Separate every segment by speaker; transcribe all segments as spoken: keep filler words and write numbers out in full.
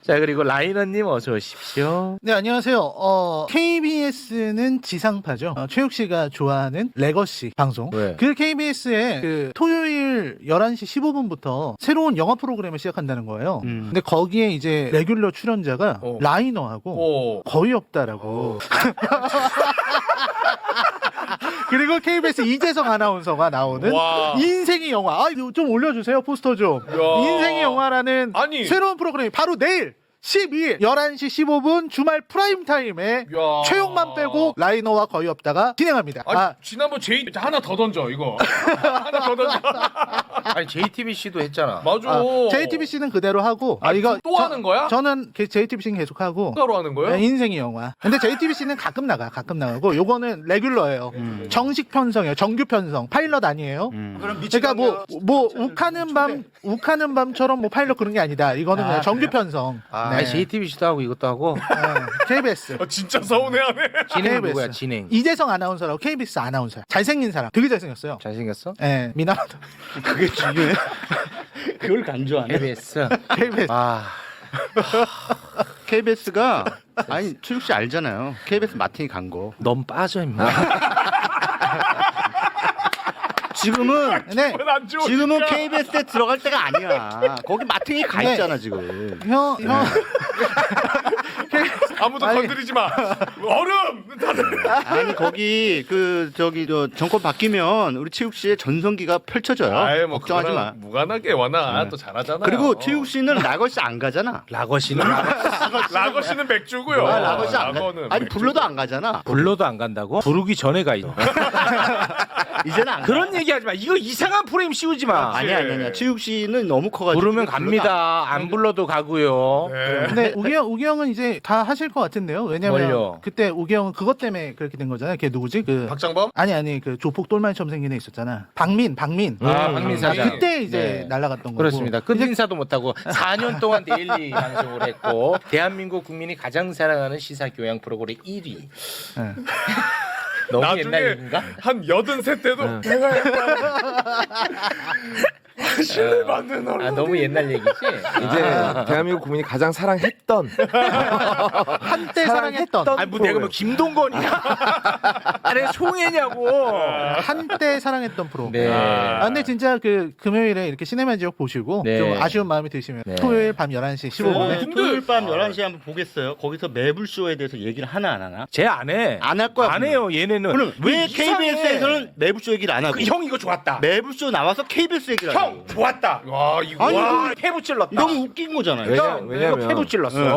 Speaker 1: 자, 그리고 라이너님 어서 오십시오.
Speaker 2: 네, 안녕하세요. 어, 케이비에스는 지상파죠. 어, 최욱 씨가 좋아하는 레거시 방송.
Speaker 1: 왜?
Speaker 2: 그 케이비에스에 그 토요일 열한 시 십오 분부터 새로운 영화 프로그램을 시작한다는 거예요.
Speaker 3: 음.
Speaker 2: 근데 거기에 이제 레귤러 출연자가
Speaker 3: 어.
Speaker 2: 라이너하고
Speaker 3: 오.
Speaker 2: 거의 없다라고. 그리고 케이비에스 이재성 아나운서가 나오는
Speaker 3: 와.
Speaker 2: 인생의 영화. 아, 이거 좀 올려주세요, 포스터 좀.
Speaker 3: 야.
Speaker 2: 인생의 영화라는
Speaker 3: 아니.
Speaker 2: 새로운 프로그램이 바로 내일 십이 일 열한 시 십오 분 주말 프라임 타임에
Speaker 3: 야.
Speaker 2: 최용만 빼고 라이너와 거의 없다가 진행합니다.
Speaker 3: 아니,
Speaker 2: 아,
Speaker 3: 지난번 제이 하나 더 던져 이거. 하나 더 던져.
Speaker 1: 아니 제이티비씨도 했잖아.
Speaker 3: 맞아.
Speaker 2: 아, 제이티비씨는 그대로 하고 아,
Speaker 3: 아,
Speaker 2: 이거
Speaker 3: 또
Speaker 2: 저-
Speaker 3: 하는 거야?
Speaker 2: 저는 제이티비씨는 계속 하고
Speaker 3: 추가로 하는 거예요?
Speaker 2: 네, 인생의 영화. 근데 제이티비씨는 가끔 나가, 가끔 나가고 요거는 레귤러예요.
Speaker 3: 음.
Speaker 2: 정식 편성이에요. 정규 편성. 파일럿 아니에요. 그러니까 뭐 뭐 욱하는 밤 욱하는 밤처럼 뭐 파일럿 그런 게 아니다. 이거는
Speaker 1: 아,
Speaker 2: 그냥 정규
Speaker 1: 그래요?
Speaker 2: 편성.
Speaker 1: 아,
Speaker 2: 네.
Speaker 1: 아니, 제이티비씨도 하고 이것도 하고.
Speaker 2: 네, 케이비에스.
Speaker 3: 아, 진짜 서운해하네.
Speaker 1: 진행
Speaker 2: 케이비에스.
Speaker 1: 누구야? 진행.
Speaker 2: 이재성 아나운서라고 케이비에스 아나운서야. 잘생긴 사람. 되게 잘생겼어요.
Speaker 1: 잘생겼어?
Speaker 2: 예, 미남하다. 그게 중요해.
Speaker 4: 그걸 간주하네.
Speaker 1: 케이비에스.
Speaker 2: 케이비에스.
Speaker 1: 아,
Speaker 4: 케이비에스가 아니 최욱 씨 알잖아요. 케이비에스 마틴이 간 거.
Speaker 1: 넌 빠져 임마.
Speaker 4: 지금은
Speaker 2: 네.
Speaker 3: 안 좋으니까.
Speaker 4: 지금은 케이비에스에 들어갈 때가 아니야. 거기 마틴이 가
Speaker 2: 네.
Speaker 4: 있잖아 지금.
Speaker 2: 형, 형.
Speaker 3: 아무도
Speaker 2: 아니.
Speaker 3: 건드리지 마. 얼음. 다들.
Speaker 4: 아니 거기 그 저기 저 정권 바뀌면 우리 최욱 씨의 전성기가 펼쳐져요.
Speaker 3: 아이, 뭐
Speaker 4: 걱정하지
Speaker 3: 그거랑
Speaker 4: 마.
Speaker 3: 무관하게 와나 또 잘하잖아.
Speaker 4: 그리고 최욱 씨는 라거시 안 가잖아.
Speaker 1: 라거시는
Speaker 3: 라거 씨는 맥주고요.
Speaker 4: 아, 라거시 안 가.
Speaker 3: 라거는
Speaker 4: 아니
Speaker 3: 맥주고.
Speaker 4: 불러도 안 가잖아.
Speaker 1: 불러도 안 간다고? 부르기 전에 가 있어.
Speaker 4: 이제는 안 가.
Speaker 1: 그런 얘기하지 마. 이거 이상한 프레임 씌우지 마.
Speaker 4: 아니야 아니야 아니야. 최욱 씨는 너무 커가지고
Speaker 1: 부르면
Speaker 4: 불러도 안
Speaker 1: 갑니다. 안 불러도 가고요.
Speaker 3: 네.
Speaker 2: 근데 우기 형, 우기 형은 이제 다 하실 것 같은데요. 왜냐면
Speaker 1: 뭘요?
Speaker 2: 그때 우기 형은 그것 때문에 그렇게 된 거잖아요. 걔 누구지? 그
Speaker 3: 박장범?
Speaker 2: 아니 아니 그 조폭 똘마니처럼 생긴 애 있었잖아. 박민, 박민.
Speaker 3: 아,
Speaker 1: 음,
Speaker 3: 박민
Speaker 2: 아,
Speaker 3: 사장.
Speaker 2: 그때 이제
Speaker 1: 네.
Speaker 2: 날아갔던 거고.
Speaker 1: 그렇습니다. 끝인사도 못하고 사 년 동안 데일리 방송을 했고 대한민국 국민이 가장 사랑하는 시사 교양 프로그램 일 위.
Speaker 2: 네.
Speaker 1: 너무
Speaker 3: 나중에
Speaker 1: 옛날 얘기인가?
Speaker 3: 한 여든 세 때도 내가 했다. 신뢰받는 얼음.
Speaker 1: 아, 너무 옛날 얘기지?
Speaker 5: 이제 대한민국 국민이 가장 사랑했던
Speaker 2: 한때 사랑했던
Speaker 1: 아니 뭐 내가 뭐 김동건이야? 아니 송혜냐고.
Speaker 2: 한때 사랑했던 프로.
Speaker 1: 네.
Speaker 2: 아, 근데 진짜 그 금요일에 이렇게 시네마 지역 보시고
Speaker 1: 네.
Speaker 2: 좀 아쉬운 마음이 드시면
Speaker 1: 네.
Speaker 2: 토요일 밤 열한 시 십오 분에
Speaker 4: 네. 토요일 밤 열한 시에 한번 보겠어요. 거기서 매불쇼에 대해서 얘기를 하나 안 하나?
Speaker 1: 쟤 안 해.
Speaker 4: 안 할 거야.
Speaker 1: 안 해요. 얘네는.
Speaker 4: 그럼 왜
Speaker 1: 이상해.
Speaker 4: 케이비에스에서는 매불쇼 얘기를 안 하고
Speaker 1: 그 형 이거 좋았다.
Speaker 4: 매불쇼 나와서 케이비에스 얘기를 하고
Speaker 1: 형 좋았다.
Speaker 3: 와 이거
Speaker 4: 아니,
Speaker 1: 와 패부 찔렀다.
Speaker 4: 너무 웃긴 거잖아요.
Speaker 5: 왜냐-
Speaker 1: 형,
Speaker 5: 왜냐면-
Speaker 1: 이거 패부 찔렀어.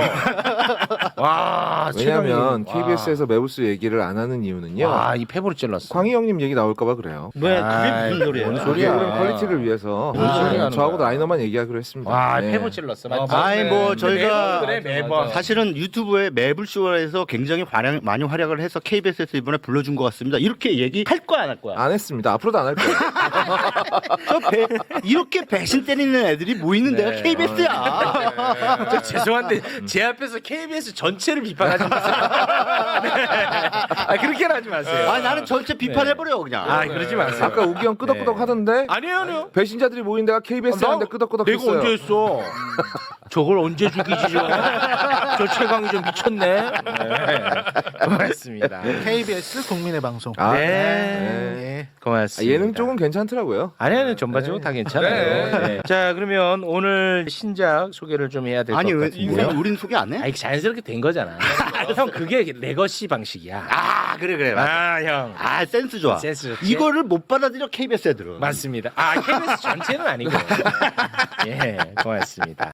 Speaker 1: 와
Speaker 5: 왜냐하면
Speaker 1: 최강희.
Speaker 5: 케이비에스에서 매부스 얘기를 안 하는 이유는요.
Speaker 1: 와이 패부를 찔렀어.
Speaker 5: 광희 형님 얘기 나올까봐 그래요.
Speaker 4: 왜
Speaker 1: 아이,
Speaker 4: 그게 무슨 소리예요?
Speaker 1: 뭔
Speaker 5: 그게
Speaker 1: 소리야.
Speaker 5: 우리 퀄리티를 위해서
Speaker 1: 뭔 소리 하는
Speaker 5: 저하고
Speaker 1: 거야.
Speaker 5: 라이너만 얘기하기로 했습니다.
Speaker 1: 와
Speaker 5: 네.
Speaker 1: 패부 찔렀어. 맞지?
Speaker 3: 아,
Speaker 4: 아니 뭐
Speaker 3: 맞네.
Speaker 4: 저희가
Speaker 1: 매번 그래 매번.
Speaker 4: 사실은 유튜브에 매불쇼에서 굉장히 활약, 많이 활약을 해서 케이비에스에서 이번에 불러준 것 같습니다. 이렇게 얘기할 거야 안 할 거야?
Speaker 5: 안 했습니다. 앞으로도 안 할 거예요.
Speaker 4: 저 배, 이렇게 배신 때리는 애들이 뭐 있는 데가
Speaker 1: 네.
Speaker 4: 케이비에스야.
Speaker 1: 저 죄송한데 제 앞에서 케이비에스 전체를 비판하지 마세요. 네. 아, 그렇게는 하지 마세요.
Speaker 4: 아 나는 전체 비판해버려 그냥.
Speaker 1: 아 그러지 마세요.
Speaker 5: 아까 우기 형 끄덕끄덕
Speaker 1: 네.
Speaker 5: 하던데
Speaker 1: 아니에요, 아니요.
Speaker 5: 배신자들이 모인 데가 케이비에스 하는데 끄덕끄덕
Speaker 1: 내가
Speaker 5: 했어요.
Speaker 1: 언제 했어? 저걸 언제 죽이지 저? 저 최강이 좀 미쳤네. 네. 고맙습니다.
Speaker 2: 케이비에스 국민의 방송.
Speaker 5: 아,
Speaker 1: 네.
Speaker 2: 네.
Speaker 5: 아,
Speaker 1: 고맙습니다.
Speaker 5: 예능 쪽은 괜찮더라고요.
Speaker 1: 아니 아니 전반적으로 다 괜찮아요.
Speaker 3: 네.
Speaker 1: 네. 자 그러면 오늘 신작 소개를 좀 해야 될 것
Speaker 4: 아니 왜
Speaker 1: 같은데요.
Speaker 4: 우린, 우린 소개 안 해?
Speaker 1: 아니 자연스럽게 된 거잖아. 형 그게 레거시 방식이야.
Speaker 4: 아 그래 그래 맞아.
Speaker 1: 아 형.
Speaker 4: 아 센스 좋아.
Speaker 1: 센스 좋지?
Speaker 4: 이거를 못 받아들여 케이비에스 애들은.
Speaker 1: 맞습니다. 아 케이비에스 전체는 아니고. 예 고맙습니다.